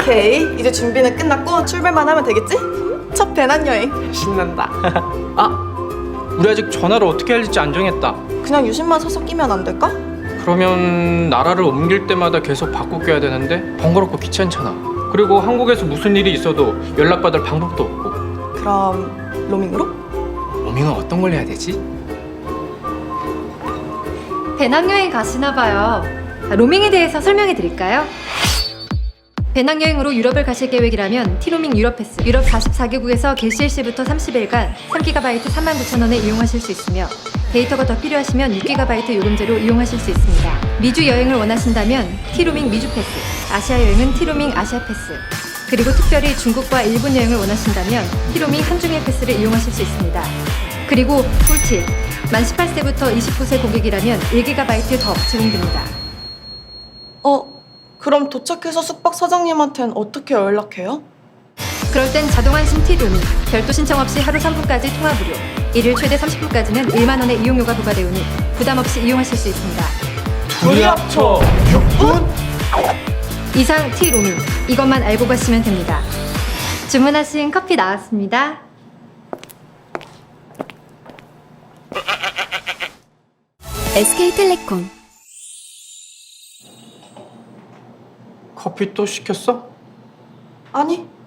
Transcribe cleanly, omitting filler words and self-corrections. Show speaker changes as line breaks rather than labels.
오케이, 이제 준비는 끝났고 출발만 하면 되겠지? 첫 배낭여행.
신난다. 아, 우리 아직 전화를 어떻게 할지 안 정했다.
그냥 유심만 사서 끼면 안 될까?
그러면 나라를 옮길 때마다 계속 바꿔 껴야 되는데 번거롭고 귀찮잖아. 그리고 한국에서 무슨 일이 있어도 연락받을 방법도 없고.
그럼 로밍으로?
로밍은 어떤 걸 해야 되지?
배낭여행 가시나봐요. 로밍에 대해서 설명해 드릴까요? 배낭여행으로 유럽을 가실 계획이라면 티로밍 유럽 패스, 유럽 44개국에서 개시일시부터 30일간 3GB 39,000원에 이용하실 수 있으며 데이터가 더 필요하시면 6GB 요금제로 이용하실 수 있습니다. 미주 여행을 원하신다면 티로밍 미주 패스, 아시아 여행은 티로밍 아시아 패스, 그리고 특별히 중국과 일본 여행을 원하신다면 티로밍 한중일 패스를 이용하실 수 있습니다. 그리고 꿀팁! 만 18세부터 29세 고객이라면 1GB 더 제공됩니다.
그럼 도착해서 숙박 사장님한텐 어떻게 연락해요?
그럴 땐 자동 안심 티로밍, 별도 신청 없이 하루 3분까지 통화 무료, 일일 최대 30분까지는 1만 원의 이용료가 부과되오니 부담 없이 이용하실 수 있습니다.
둘이 합쳐 6분?
이상 티로밍, 이것만 알고 가시면 됩니다. 주문하신 커피 나왔습니다.
SK텔레콤.
커피 또 시켰어?
아니,